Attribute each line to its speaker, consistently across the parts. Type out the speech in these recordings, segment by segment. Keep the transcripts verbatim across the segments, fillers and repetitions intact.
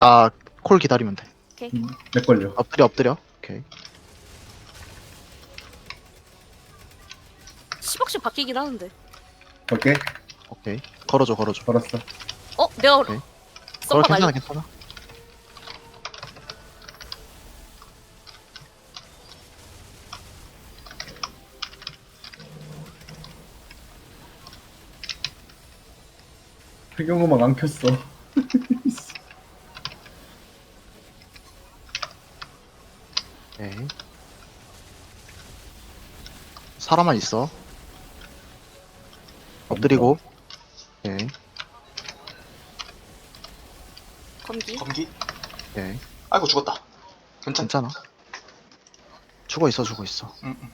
Speaker 1: 아, 콜 기다리면 돼.
Speaker 2: 오케이.
Speaker 3: 음, 내 걸려.
Speaker 1: 엎드려, 엎드려. 오케이.
Speaker 2: 십억씩 바뀌긴 하는데.
Speaker 3: 오케이.
Speaker 1: 오케이. 걸어줘, 걸어줘.
Speaker 3: 걸었어.
Speaker 2: 어? 내가
Speaker 1: 오케이. 걸어,
Speaker 2: 썸바
Speaker 1: 괜찮아,
Speaker 2: 날려.
Speaker 1: 괜찮아.
Speaker 3: 배경음악 안 켰어.
Speaker 1: 오케이. 사람만 있어. 엎드리고. 오케이.
Speaker 2: 검기.
Speaker 4: 검기?
Speaker 1: 오케이.
Speaker 4: 아이고 죽었다. 괜찮?
Speaker 1: 괜찮아. 죽어 있어, 죽어 있어.
Speaker 4: 응, 응.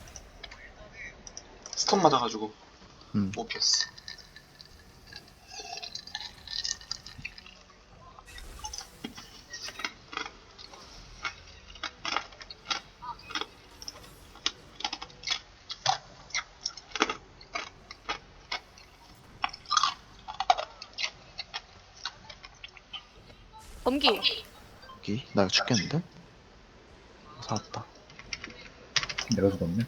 Speaker 4: 스턴 맞아가지고
Speaker 1: 음.
Speaker 4: 못 피했어.
Speaker 2: 검기.
Speaker 1: 여기. 나 이거 죽겠는데? 살았다.
Speaker 3: 내가 죽었네.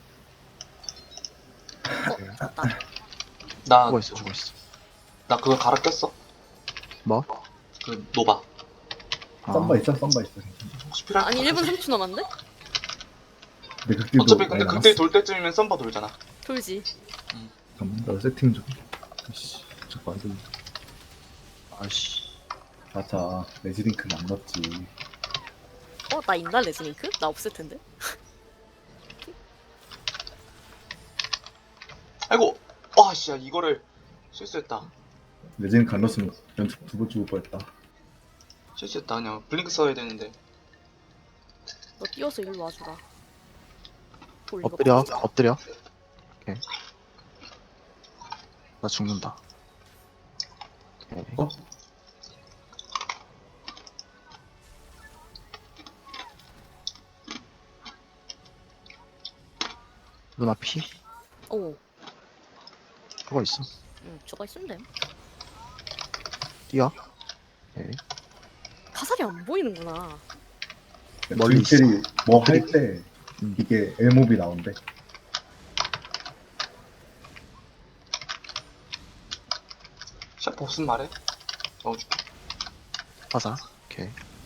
Speaker 2: 어? 맞다.
Speaker 4: 나,
Speaker 1: 죽어 있어, 죽어 있어.
Speaker 4: 나 그거 갈아 꼈어.
Speaker 1: 뭐?
Speaker 4: 그 노바.
Speaker 1: 아,
Speaker 3: 썸바 있어, 썸바 있어.
Speaker 4: 혹시 필요할
Speaker 2: 아니
Speaker 4: 것
Speaker 2: 일 분
Speaker 4: 같아서.
Speaker 2: 삼 초 남았는데?
Speaker 3: 내 극딜도
Speaker 4: 어차피 근데
Speaker 3: 많이
Speaker 4: 그때
Speaker 3: 남았어.
Speaker 4: 돌 때쯤이면 썸바 돌잖아.
Speaker 2: 돌지.
Speaker 3: 잠깐만, 나 세팅 좀. 씨, 자꾸 안 들려.
Speaker 1: 아씨.
Speaker 3: 맞아, 레지링크는 안 넣었지.
Speaker 2: 어? 나 있나 레즈링크? 나 없을 텐데.
Speaker 4: 아이고! 와, 씨야, 이거를 실수했다.
Speaker 3: 레지링크 안 넣었으면 연속 두 번 죽을 뻔했다.
Speaker 4: 실수했다. 그냥 블링크 써야 되는데.
Speaker 2: 너 뛰어서 일로 와주라. 돌 이거
Speaker 1: 엎드려,
Speaker 2: 봐.
Speaker 1: 엎드려. 오케이. 나 죽는다. 오케이.
Speaker 3: 어?
Speaker 1: 누나 피?
Speaker 2: 오.
Speaker 1: 죽어 있어.
Speaker 2: 응, 저거 있으면 돼.
Speaker 1: 뛰어. 오케이.
Speaker 2: 화살이 안 보이는구나.
Speaker 1: 멀리 있어.
Speaker 3: 딜들이 뭐 할 때
Speaker 1: 음.
Speaker 3: 이게 엘몹이 나온대.
Speaker 4: 샤프 없으면 말해. 넣어줄게.
Speaker 1: 화사. 오케이.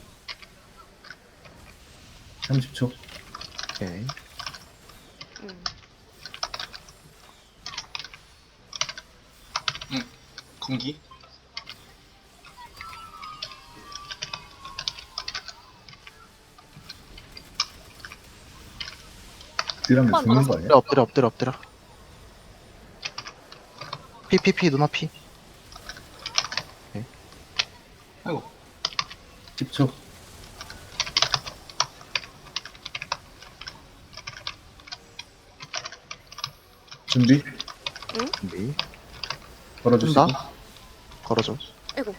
Speaker 3: 삼십 초.
Speaker 1: 오케이.
Speaker 2: 응.
Speaker 4: 검기?
Speaker 3: 딜하면
Speaker 2: 한번
Speaker 3: 죽는 거 아니야?
Speaker 1: 엎드려, 엎드려, 엎드려, 엎드려. 피, 피, 피, 누나 피.
Speaker 4: 아이고.
Speaker 3: 십 초. 준비.
Speaker 1: 준비.
Speaker 3: 걸어주시고.
Speaker 1: 쏜다. 걸어줘.
Speaker 2: 아이고.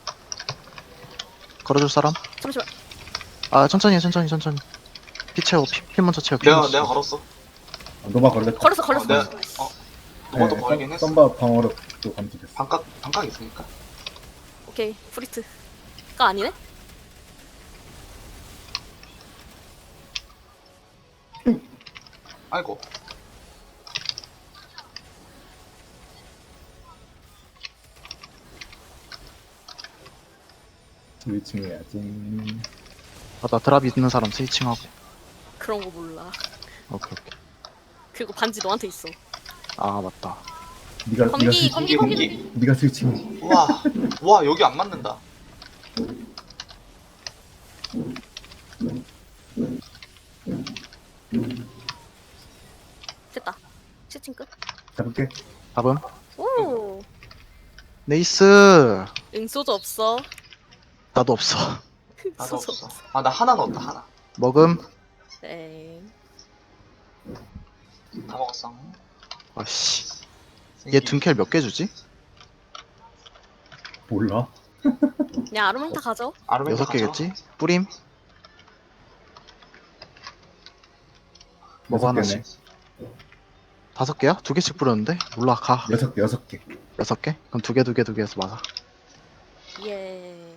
Speaker 1: 걸어줄 사람?
Speaker 2: 잠시만.
Speaker 1: 아, 천천히 해, 천천히, 천천히. 피 채워, 피, 피 먼저 채워. 피
Speaker 4: 내가,
Speaker 1: 먼저
Speaker 4: 내가
Speaker 1: 채워.
Speaker 4: 걸었어.
Speaker 3: 아, 노바 걸렸다.
Speaker 2: 걸었어 걸었어.
Speaker 4: 어, 내가,
Speaker 2: 걸었어.
Speaker 4: 어, 노바도
Speaker 3: 네,
Speaker 4: 걸긴
Speaker 3: 썸-
Speaker 4: 했어.
Speaker 3: 썸바 방어력도 감지됐어.
Speaker 4: 반각, 반각 있으니까.
Speaker 2: 오케이. 프리트가 아니네?
Speaker 4: 아이고.
Speaker 3: 스위칭 해야지.
Speaker 1: 아, 나 드랍 있는 사람 스위칭하고.
Speaker 2: 그런 거 몰라.
Speaker 1: 오케이, 오케이.
Speaker 2: 그리고 반지 너한테 있어.
Speaker 1: 아, 맞다.
Speaker 3: 네가
Speaker 2: 검기,
Speaker 3: 네가 스위칭.
Speaker 2: 검기, 검기.
Speaker 4: 검기.
Speaker 3: 네가 스위칭.
Speaker 4: 와, 와, 여기 안 맞는다.
Speaker 2: 됐다. 채팅 끝.
Speaker 3: 잡을게.
Speaker 1: 답은?
Speaker 2: 오.
Speaker 1: 네이스!
Speaker 2: 응소주 없어.
Speaker 1: 나도 없어.
Speaker 4: 나도
Speaker 2: 소주
Speaker 4: 없어. 아, 나 하나 넣었다, 하나.
Speaker 1: 먹음?
Speaker 2: 에이.
Speaker 4: 다 먹었어.
Speaker 1: 아씨. 얘 둔켈 몇 개 주지?
Speaker 3: 몰라.
Speaker 2: 그냥 아르멘타 가져.
Speaker 4: 아르멘타
Speaker 1: 여섯
Speaker 4: 가져.
Speaker 1: 개겠지? 뿌림? 먹어
Speaker 3: 여섯 개네.
Speaker 1: 하나씩. 다섯 개야? 두 개씩 뿌렸는데? 몰라, 가.
Speaker 3: 여섯 개, 여섯 개.
Speaker 1: 여섯 개? 그럼 두 개, 두 개, 두 개 해서 맞아.
Speaker 2: 예.